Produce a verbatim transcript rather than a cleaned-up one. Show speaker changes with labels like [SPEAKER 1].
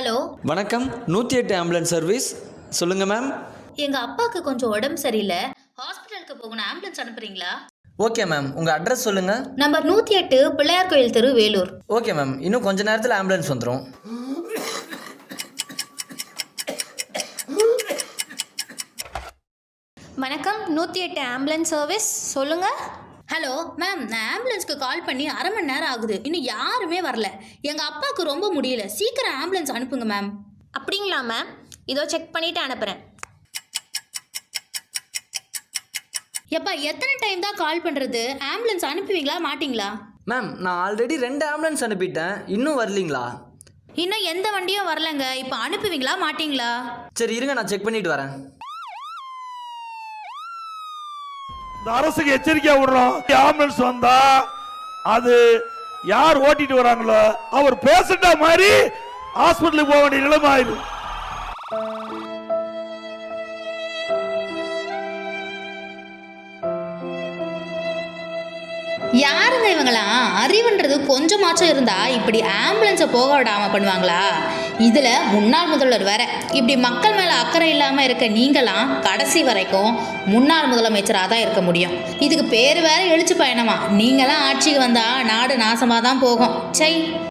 [SPEAKER 1] Hello,
[SPEAKER 2] வணக்கம். நூற்றி எட்டு ஆம்புலன்ஸ் சர்வீஸ். சொல்லுங்கள் மேம்.
[SPEAKER 1] எங்க அப்பாவுக்கு கொஞ்சம் உடம்பு சரியில்லை, ஹாஸ்பிட்டலுக்கு போகணும். ஆம்புலன்ஸ் அனுப்புறீங்களா?
[SPEAKER 2] ஓகே மேம், உங்கள் அட்ரஸ் சொல்லுங்கள்.
[SPEAKER 1] நம்பர் நூற்றி எட்டு பிள்ளையார் கோயில் தெரு, வேலூர்.
[SPEAKER 2] ஓகே மேம், இன்னும் கொஞ்ச நேரத்தில் ஆம்புலன்ஸ் வந்துடும்.
[SPEAKER 3] வணக்கம், நூற்றி எட்டு ஆம்புலன்ஸ் சர்வீஸ். சொல்லுங்கள்.
[SPEAKER 1] ஹலோ மேம், நான் ஆம்புலன்ஸ்க்கு கால் பண்ணி அரை மணி நேரம் ஆகுது, இன்னும் யாருமே வரல. எங்கள் அப்பாவுக்கு ரொம்ப முடியல, சீக்கிரம் ஆம்புலன்ஸ் அனுப்புங்க மேம்.
[SPEAKER 3] அப்படிங்களா மேம்? இதோ செக் பண்ணிவிட்டு அனுப்புகிறேன்.
[SPEAKER 1] எப்பா, எத்தனை டைம் தான் கால் பண்ணுறது? ஆம்புலன்ஸ் அனுப்புவீங்களா மாட்டிங்களா?
[SPEAKER 2] மேம், நான் ஆல்ரெடி ரெண்டு ஆம்புலன்ஸ் அனுப்பிட்டேன், இன்னும் வரலீங்களா?
[SPEAKER 1] இன்னும் எந்த வண்டியும் வரலங்க. இப்போ அனுப்புவீங்களா மாட்டிங்களா?
[SPEAKER 2] சரி இருங்க, நான் செக் பண்ணிட்டு வரேன்.
[SPEAKER 4] இந்த அரசுக்கு எச்சரிக்கையா விடுறோம். ஆம்புலன்ஸ் வந்தா அது யார் ஓட்டிட்டு வராங்களோ அவர் பேசண்டா மாதிரி ஹாஸ்பிட்டலுக்கு போக வேண்டிய நிலைமை ஆயிடும்.
[SPEAKER 1] யாருங்க இவங்களாம்? அறிவுன்றது கொஞ்சமாச்சும் இருந்தா இப்படி ஆம்புலன்ஸை போக விடாம பண்ணுவாங்களா? இதுல முன்னாள் முதல்வர் வேற. இப்படி மக்கள் மேல அக்கறை இல்லாம இருக்க நீங்களாம் கடைசி வரைக்கும் முன்னாள் முதலமைச்சராக தான் இருக்க முடியும். இதுக்கு பேர் வேற எழுச்சி பயணமா. நீங்களாம் ஆட்சிக்கு வந்தா நாடு நாசமா தான் போகும். சை.